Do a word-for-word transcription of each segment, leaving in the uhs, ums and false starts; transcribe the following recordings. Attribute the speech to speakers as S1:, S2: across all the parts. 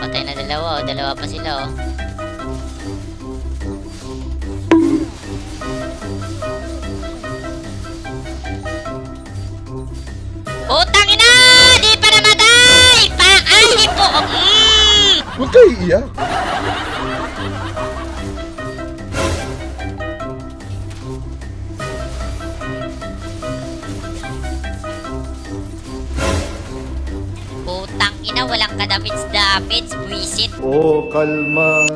S1: Papatay na dalawa, oh. Dalawa pa sila, oh. Putang ina! Di pa namatay! Pakay po! Mm!
S2: Huwag kayo iiyak.
S1: Putang ina, walang kadamits-damits, buwisit.
S2: Oh, kalma.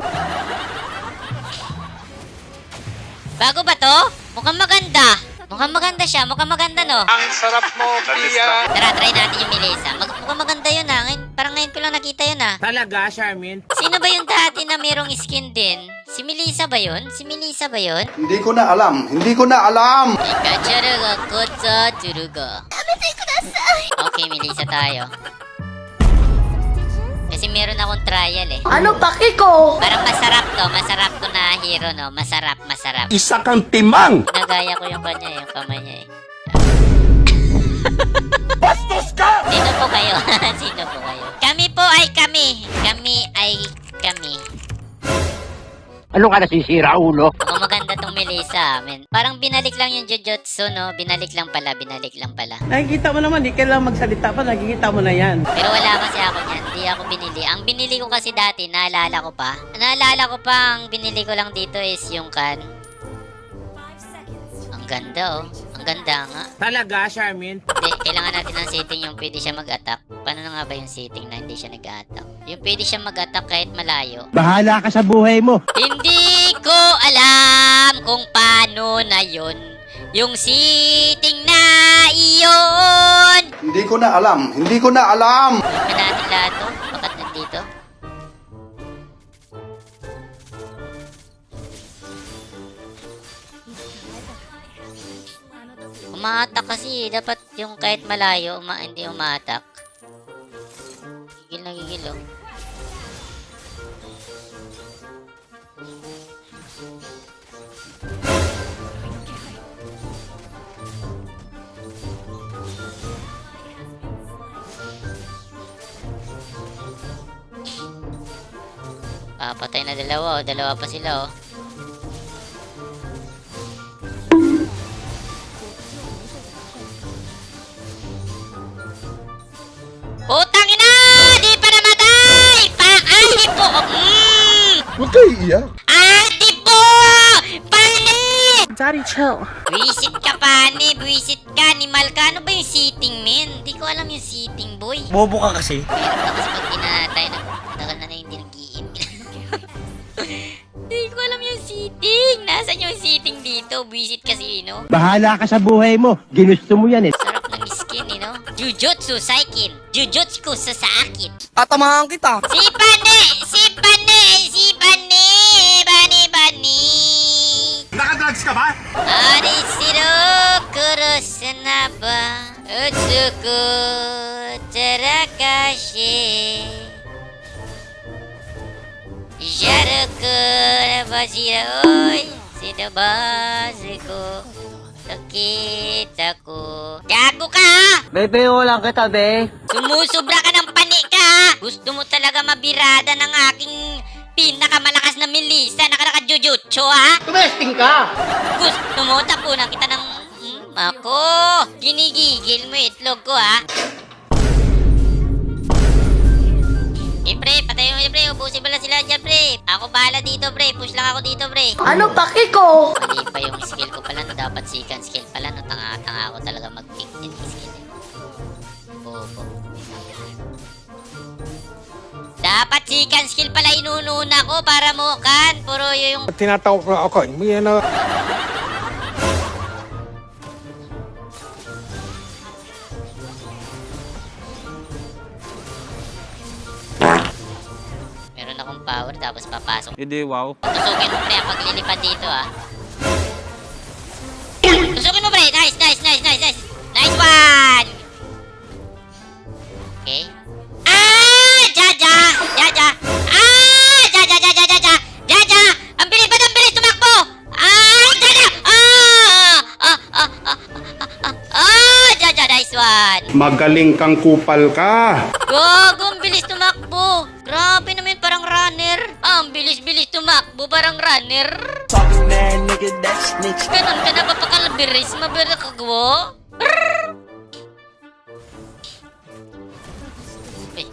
S1: Bago ba to? Mukhang maganda. Mukhang maganda siya, mukhang maganda, no?
S3: Ang sarap mo, Pia.
S1: Tara, try natin yung Melissa. Mag mukhang maganda yun, ha? Ngayon, parang ngayon ko lang nakita yun, ha?
S4: Talaga, Charmin?
S1: Sino ba yung dati na mayroong skin din? Si Melissa ba yun? Si Melissa ba yun?
S2: Hindi ko na alam. Hindi ko na alam.
S1: Ikacharuga kotsa churuga. Okay, Melissa tayo. Kasi meron akong trial, eh.
S5: Ano paki ko?
S1: Parang masarap to. Masarap to na hero, no? Masarap, masarap.
S4: Isa kang timang!
S1: Nagaya ko yung kanya, yung kamay niya, eh.
S4: Bastos ka!
S1: Sino po kayo? Sino po kayo? Kami po ay kami. Kami ay kami.
S4: Ano ka nasisira, ulo?
S1: Kung maganda tong Melissa, men. Parang binalik lang yung Jujutsu, no? Binalik lang pala, binalik lang pala.
S5: Nakikita mo naman, di kailangan magsalita pa, nakikita mo na yan.
S1: Pero wala kasi ako niyan. Hindi ako binili. Ang binili ko kasi dati, naalala ko pa. Naalala ko pa, ang binili ko lang dito is yung kan. Ang ganda, oh. Ang ganda nga.
S4: Talaga, Charmin?
S1: Hindi, kailangan natin ng setting yung pwede siya mag-attack. Paano na nga ba yung setting na hindi siya nag-attack? Yung pwede siya mag-attack kahit malayo.
S4: Bahala ka sa buhay mo.
S1: Hindi ko alam kung paano na yun. Yung setting na iyon.
S2: Hindi ko na alam. Hindi ko na alam.
S1: Gawin natin lahat to. Bakit nandito? Umaatak kasi. Dapat yung kahit malayo, uma hindi umaatak. Gigil na gigil, oh. Ah, patay na dalawa, oh. Dalawa pa sila, oh. Putang ina! Di pa namatay! Pakay po! Mm!
S2: Huwag kayo iiyak.
S1: Ate po! Pani!
S5: Daddy, chill.
S1: Buisit ka, Pani. Buisit ka. Animal ka. Ano ba yung seating, men? Hindi ko alam yung seating, boy.
S4: Bobo ka kasi.
S1: Meron ka kasi pag tinatay na tagal na na hindi nag-i-im. Hindi ko alam yung seating. Nasaan yung seating dito? Buisit kasi, no?
S4: Bahala ka sa buhay mo. Ginusto mo yan eh.
S1: Sarap ng skin, eh, no? Jujutsu Saikin. Jujutsu sa sa akin.
S5: Tatamahan kita.
S1: Si Pane! Si Pane! Si Pane! Bani, bani!
S4: Nakadrugs ka ba?
S1: Arishiro kurosanaba Utsuku tarakashi Jaruku nabashiroi Sinabazuko Takitaku Gago ka!
S5: Bebe, lang kita, be.
S1: Sumusubra ka ng pani ka! Gusto mo talaga mabirada ng aking pinakamalakas na Melissa na naka-jujutsu, ha?
S5: Tumesting ka.
S1: Gusto mo tapunan kita ng... Hmm, ako! Ginigigil mo itlog ko, ha? Eh, pre, patayin mo yun, pre. Ubusin mo lang sila dyan, pre. Ako bahala dito, pre. Push lang ako dito, pre.
S5: Ano paki ko?
S1: Mali pa yung skill ko pala, no? Dapat second skill pala, no? Tanga-tanga ako talaga mag-pick din yung skill, eh. Bobo. Dapat second skill pala inununa ko para mo kan. Puro yung...
S3: Tinatawag ko ako. Hindi na...
S1: Meron akong power tapos papasok.
S3: Hindi, wow.
S1: Tusukin mo, pre, ang paglilipad dito, ah. Tusukin mo, pre. Nice, nice, nice, nice, nice. Nice one! Okay. Ah! Jaja! Jaja! Ah! Jaja, jaja, jaja! Jaja! Ang bilis ba? Ang bilis tumakbo! Ah! Jaja! Ah! Ah! Ah! Ah! Ah! Ah! Jaja, nice one!
S2: Magaling kang kupal ka.
S1: Gago, ang bilis tumakbo! Grabe naman bubarang runner. Ganon ka na ba pakalabiris? Mabira ka gwo? Uy.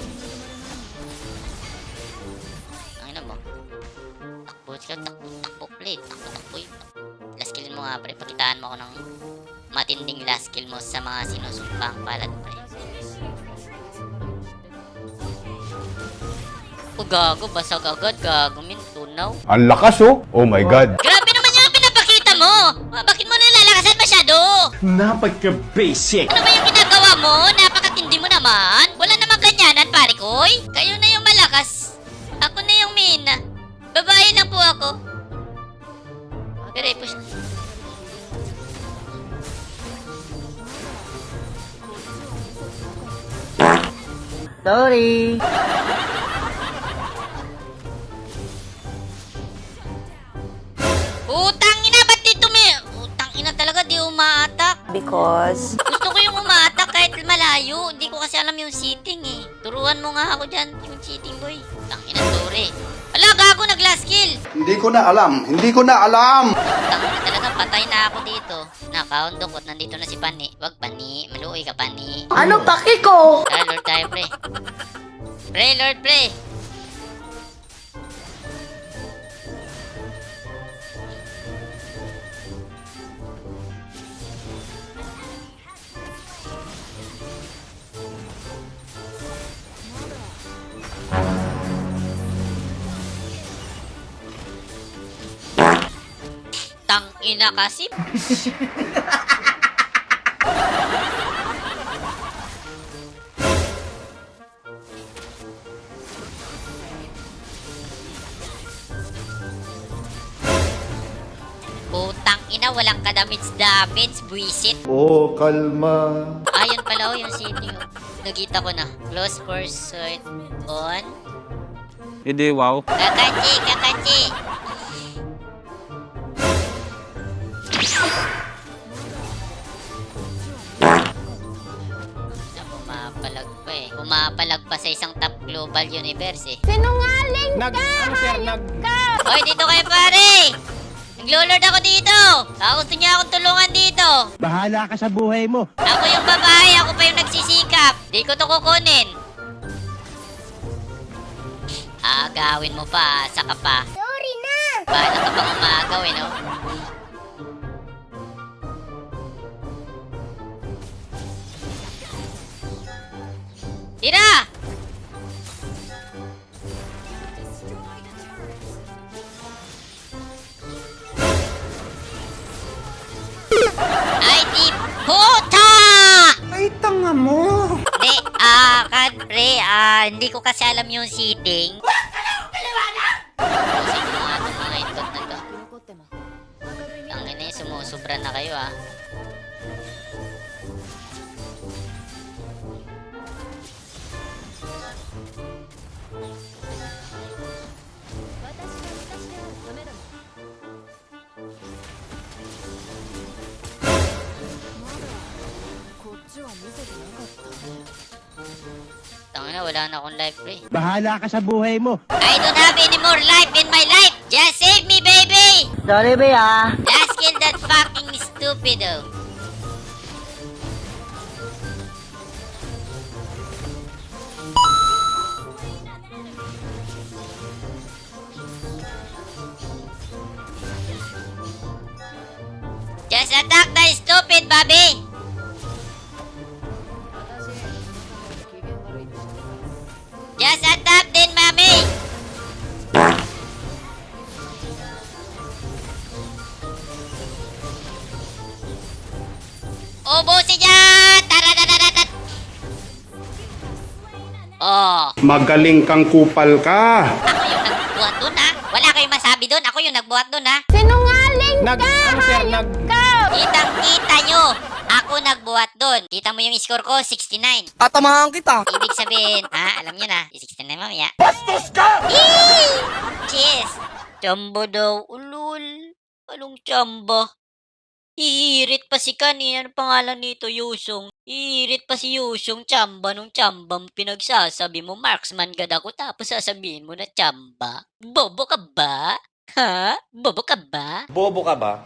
S1: Ang ina mo. Takbo, sila takbo, takbo, play. Takbo, takbo yun. Last kill mo nga, pre. Pakitaan mo ako ng matinding last kill mo sa mga sinusumpang palad, pre. O gago, basag agad, gago, min, tunaw.
S2: Ang lakas oh. Oh my God.
S1: Grabe naman yung pinapakita mo! Ah, bakit mo nilalakasan masyado?
S4: Napaka-basic.
S1: Ano ba yung ginagawa mo? Napakatindi mo naman. Wala namang ganyanan, pare koy. Kayo na yung malakas. Ako na yung mina. Babae lang po ako. Pero push.
S5: Sorry.
S1: Utang ina, ba't dito may... Utang ina talaga, di umaatak.
S5: Because...
S1: Gusto ko yung umaatak kahit malayo. Hindi ko kasi alam yung seating eh. Turuan mo nga ako dyan, yung seating boy. Utang ina, sorry. Ala, gago, nag-last kill.
S2: Hindi ko na alam. Hindi ko na alam.
S1: Utang ina talaga, patay na ako dito. Nakaundok, nandito na si Pani. Wag Pani, maluoy ka Pani.
S5: Ano paki ko?
S1: Tara, Lord tayo, pre. Pre, Lord, pre. Tang ina kasi. Putang ina, walang ka-damage-damage, buisit.
S2: Oh, kalma.
S1: Ayun pala oh, yung city oh. Nagita ko na. Close pursuit on.
S3: Hindi, wow.
S1: Kakachi, kakachi. Na pumapalag pa eh. Pumapalag pa sa isang top global universe eh.
S5: Sinungaling
S3: Nag, ano sir, nag...
S1: Hoy, dito kayo pare! Naglo-lord ako dito! Ako gusto niya akong tulungan dito!
S4: Bahala ka sa buhay mo.
S1: Ako yung babae, ako pa yung nagsisikap! Di ko to kukunin! Agawin mo pa, saka pa. Sorry na! Bahala ka pang umagaw eh, no? Tira! Ay, di puta!
S3: Ay, tanga mo.
S1: Hindi, ah, kad, pre, ah, hindi ko kasi alam yung seating. Kasi mga itong mga itot na to. Ang ina yung sumusubra na kayo, ah. Tangina, wala na akong life, pre.
S4: Bahala ka sa buhay mo.
S1: I don't have any more life in my life. Just save me, baby.
S5: Sorry, be ah.
S1: Just kill that fucking stupido. Just attack the stupid, Bobby. Just attack din, mami. Ubusin dyan! Taradadadadat! Oh,
S2: Magaling kang kupal ka.
S1: ako yung nagbuhat dun, ha? Wala kayong masabi dun. Ako yung nagbuhat dun, ha?
S5: Sinungaling
S3: Nag, ano sir, nag...
S1: Kitang-kita nyo. Ako nagbuhat dun. Kita mo yung score ko, sixty-nine.
S5: Tatamahan kita.
S1: Ibig sabihin, ha? Alam nyo na, sixty-nine mamaya. Bastos ka! Yee! Cheers! Chamba daw. Ulul. Anong chamba? Iirit pa si Kani. Ano pangalan nito, Yusong? Iirit pa si Yusong, tsamba nung tsambang pinagsasabi mo. Marksman gad ako tapos sasabihin mo na tsamba. Bobo ka ba? Ha? Bobo ka ba?
S6: Bobo ka ba?